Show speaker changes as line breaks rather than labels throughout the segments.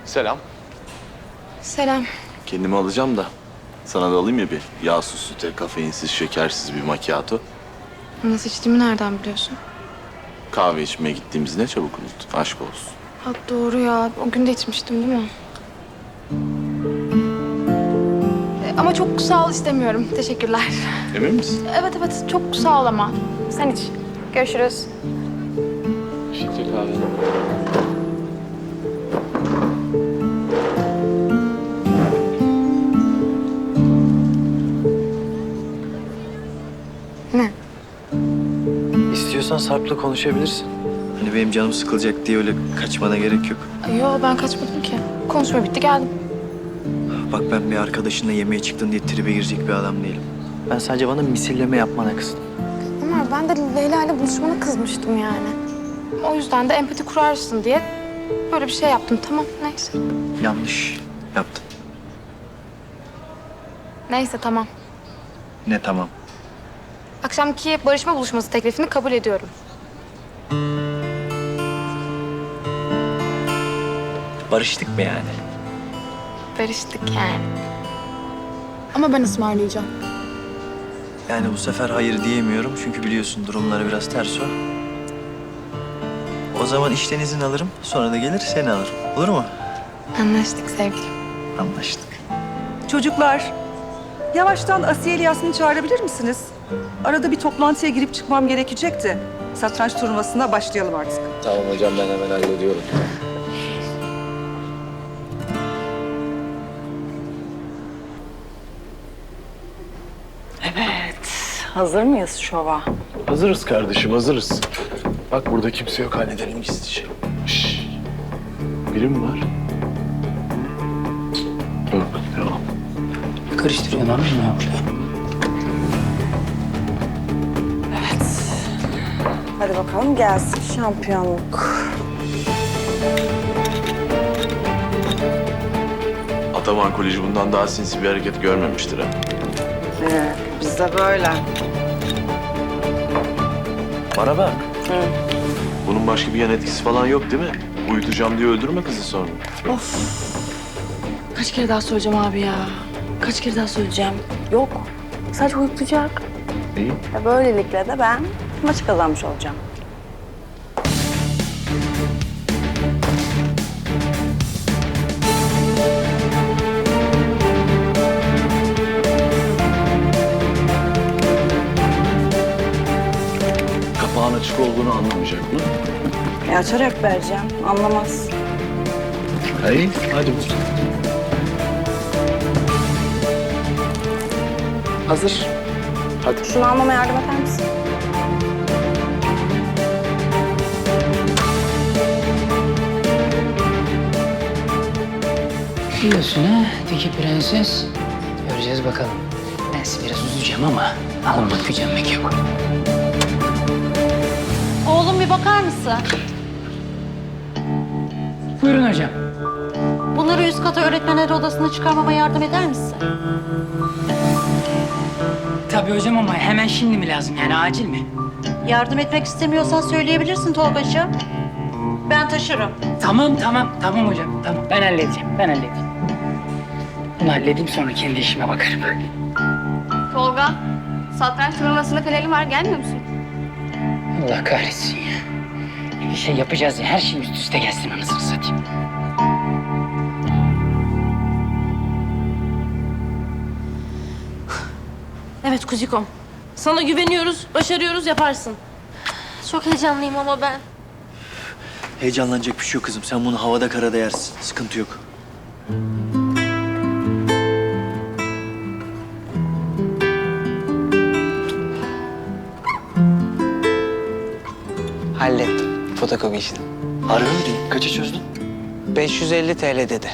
Selam.
Selam.
Kendimi alacağım da sana da alayım ya bir yağsız süte, kafeinsiz, şekersiz bir macchiato.
Nasıl içtiğimi nereden biliyorsun?
Kahve içmeye gittiğimiz ne çabuk unuttun. Aşk olsun.
Ha doğru ya. O gün de içmiştim değil mi? Ama çok sağ ol istemiyorum. Teşekkürler.
Emin misin?
Evet çok sağ ol ama. Sen iç. Görüşürüz.
Teşekkür kahve.
Ne?
İstiyorsan Sarp'la konuşabilirsin. Hani benim canım sıkılacak diye öyle kaçmana gerek yok.
Yo ben kaçmadım ki. Konuşma bitti geldim.
Bak ben bir arkadaşınla yemeğe çıktın diye tribe girecek bir adam değilim. Ben sadece bana misilleme yapmana kızdım.
Ömer ben de Leyla ile buluşmana kızmıştım yani. O yüzden de empati kurarsın diye böyle bir şey yaptım. Tamam neyse.
Yanlış yaptın.
Neyse tamam.
Ne tamam.
Akşamki barışma buluşması teklifini kabul ediyorum.
Barıştık mı yani?
Barıştık yani. Ama ben ısmarlayacağım.
Yani bu sefer hayır diyemiyorum çünkü biliyorsun durumları biraz ters o. O zaman işten izin alırım, sonra da gelir seni alırım. Olur mu?
Anlaştık sevgilim.
Anlaştık.
Çocuklar, yavaştan Asiye Yasmin'i çağırabilir misiniz? Arada bir toplantıya girip çıkmam gerekecekti. Satranç turnuvasına başlayalım artık.
Tamam hocam ben hemen hallediyorum.
Evet, hazır mıyız şova?
Hazırız kardeşim hazırız. Bak burada kimse yok halledelim gizlice. Şşş. Biri mi var? Yok devam.
Karıştırıyorsun anladın mı?
Hadi bakalım gelsin şampiyonluk.
Ataman Koleji bundan daha sinsi bir hareket görmemiştir ha.
Biz de böyle.
Bana bak.
Bunun başka bir yan etkisi falan yok değil mi? Uyutacağım diye öldürme kızı sonra.
Kaç kere daha söyleyeceğim abi ya? Kaç kere daha söyleyeceğim?
Yok, sadece uyutacak.
İyi.
Böylelikle de ben maçı kazanmış olacağım.
Kapağın açık olduğunu anlamayacak mı?
Açarak vereceğim, anlamaz.
Hayır. Hadi bakalım. Hazır. Hadi.
Şunu almama yardım eder misin?
Biliyorsun ha, Tiki Prenses. Göreceğiz bakalım. Ben sizi biraz üzeceğim ama alınmak gücenmek yok.
Oğlum bir bakar mısın?
Buyurun hocam.
Bunları üst kata öğretmenler odasına çıkarmama yardım eder misin?
Tabii hocam ama hemen şimdi mi lazım yani acil mi?
Yardım etmek istemiyorsan söyleyebilirsin Tolgacığım. Ben taşırım.
Tamam hocam tamam. Ben halledeceğim. Bunu halledeyim sonra kendi işime bakarım.
Tolga, satranç turnuvasında kalelim var. Gelmiyor musun?
Allah kahretsin ya. Bir şey yapacağız ya her şey üst üste gelsin anasını satayım.
Evet Kuzikom. Sana güveniyoruz, başarıyoruz, yaparsın.
Çok heyecanlıyım ama ben.
Heyecanlanacak bir şey yok kızım. Sen bunu havada karada yersin. Sıkıntı yok.
Hallettim fotokopi işini.
Harbi mi diyorsun? Kaça çözdün?
550 TL dedi.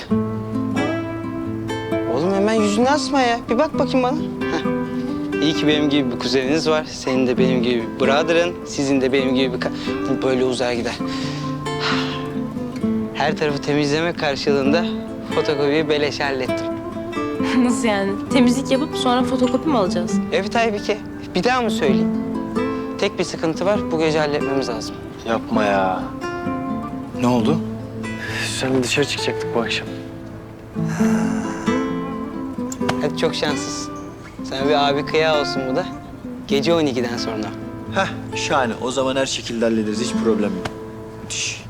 Oğlum hemen yüzünü asma ya. Bir bak bakayım bana. Heh. İyi ki benim gibi bir kuzeniniz var. Senin de benim gibi bir brother'ın. Sizin de benim gibi bir... Bu böyle uzar gider. Her tarafı temizleme karşılığında fotokopiyi beleş hallettim.
Nasıl yani? Temizlik yapıp sonra fotokopi mi alacağız?
Evet Aybike. Bir daha mı söyleyeyim? Tek bir sıkıntı var. Bu gece halletmemiz lazım.
Yapma ya. Ne oldu? Sen dışarı çıkacaktık bu akşam.
Hadi çok şanslısın. Sana bir abi kıyağı olsun bu da. Gece 12'den sonra.
Heh, şahane. O zaman her şekilde hallederiz. Hiç problem yok. Müthiş.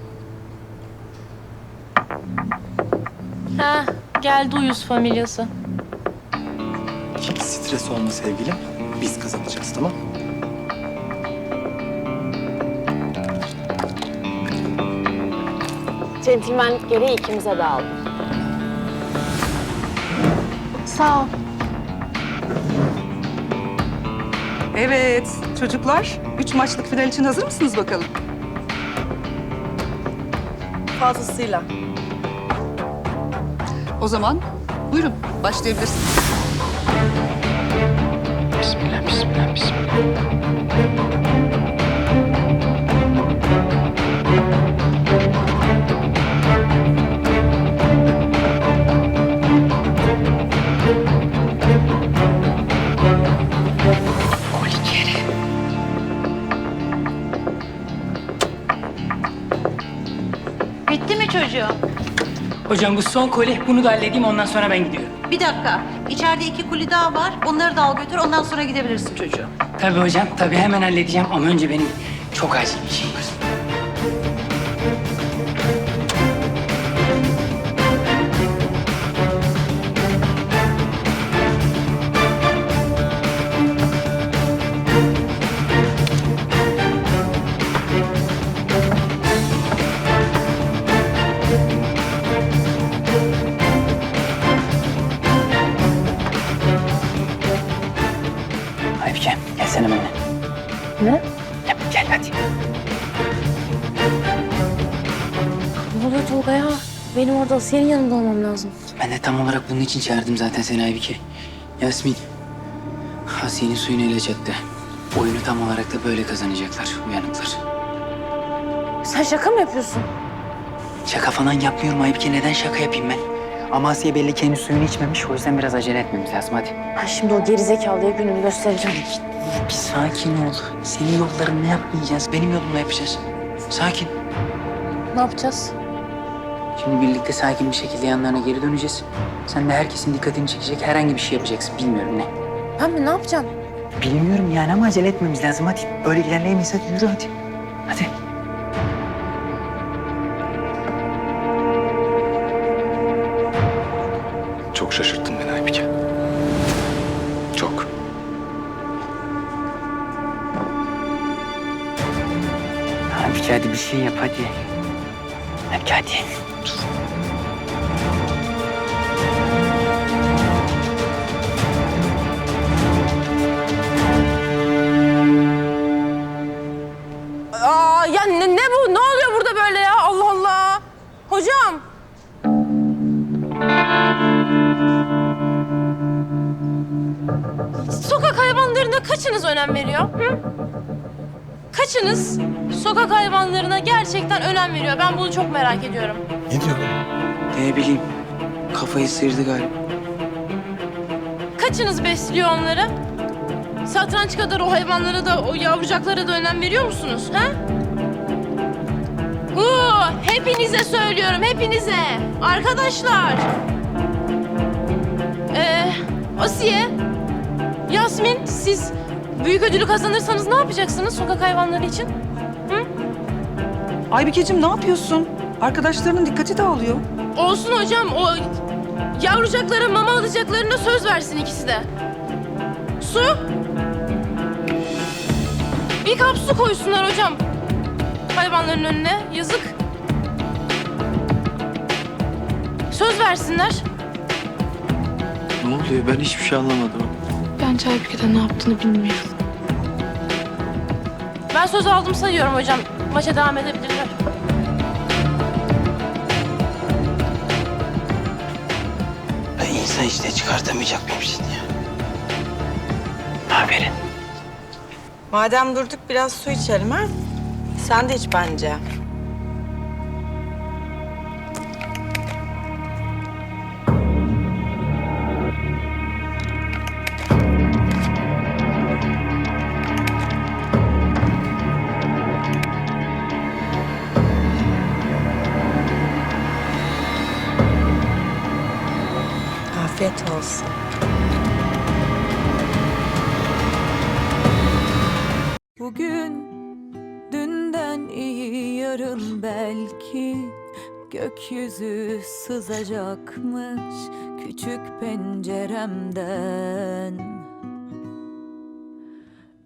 Ha, geldi uyuz familyası.
Hiç stres olma sevgilim. Biz kazanacağız, tamam?
Centilmenlik gereği ikimize de aldım.
Sağ ol.
Evet çocuklar, 3 maçlık final için hazır mısınız bakalım?
Fazlasıyla.
O zaman buyurun başlayabilirsiniz.
Bismillah, bismillah, bismillah.
Bitti mi çocuğum?
Hocam bu son koli, bunu da halledeyim ondan sonra ben gidiyorum.
Bir dakika. İçeride 2 kuli daha var. Onları da al götür. Ondan sonra gidebilirsin çocuğum.
Tabii hocam, tabii hemen halledeceğim ama önce benim çok acil bir işim var. Aybike, gelsene benimle.
Ne?
Gel hadi.
Ne oluyor Tolga ya? Benim orada Asiye'nin yanında olmam lazım.
Ben de tam olarak bunun için çağırdım zaten seni Aybike. Yasmin, Asiye'nin suyunu ele çattı. Oyunu tam olarak da böyle kazanacaklar, uyanıklar.
Sen şaka mı yapıyorsun?
Şaka falan yapmıyorum Aybike, neden şaka yapayım ben? Ama Asiye belli ki henüz suyunu içmemiş, o yüzden biraz acele etmemiz lazım, hadi.
Ben şimdi o gerizekalıya gününü göstereceğim.
Bir sakin ol. Senin yollarını yapmayacağız, benim yolumla yapacağız. Sakin.
Ne yapacağız?
Şimdi birlikte sakin bir şekilde yanlarına geri döneceğiz. Sen de herkesin dikkatini çekecek herhangi bir şey yapacaksın, bilmiyorum ne.
Ben mi? Ne yapacağım?
Bilmiyorum yani ama acele etmemiz lazım, hadi. Böyle ilerleyemeyiz, hadi yürü hadi. Hadi.
Çok şaşırttın beni Aybike. Çok.
Abi hadi bir şey yap hadi. Hadi hadi.
Aa, ya ne bu? Ne oluyor burada böyle ya? Allah Allah. Hocam. Sokak hayvanlarına kaçınız önem veriyor? Hı? Kaçınız sokak hayvanlarına gerçekten önem veriyor? Ben bunu çok merak ediyorum.
Ne diyor bu?
Ne bileyim. Kafayı sıyırdı galiba.
Kaçınız besliyor onları? Satranç kadar o hayvanlara da, o yavrucaklara da önem veriyor musunuz? Ha? Hepinize söylüyorum, hepinize. Arkadaşlar. Asiye, Yasmin, siz büyük ödülü kazanırsanız ne yapacaksınız sokak hayvanları için? Hı?
Aybikeciğim ne yapıyorsun? Arkadaşlarının dikkati dağılıyor.
Olsun hocam, o yavrucaklara mama alacaklarına söz versin ikisi de. Su. Bir kap su koysunlar hocam. Hayvanların önüne, yazık. Söz versinler.
Ne oluyor? Ben hiçbir şey anlamadım.
Bence Aybike'de ne yaptığını bilmiyorum.
Ben söz aldım sayıyorum hocam. Maça devam edebilirler.
Ben insan işte çıkartamayacak mıyım seni ya?
Aferin.
Madem durduk biraz su içelim ha? Sen de iç bence. Afiyet olsun.
Bugün dünden iyi, yarın belki gökyüzü sızacakmış küçük penceremden.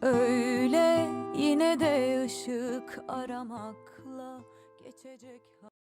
Öyle yine de ışık aramakla geçecek.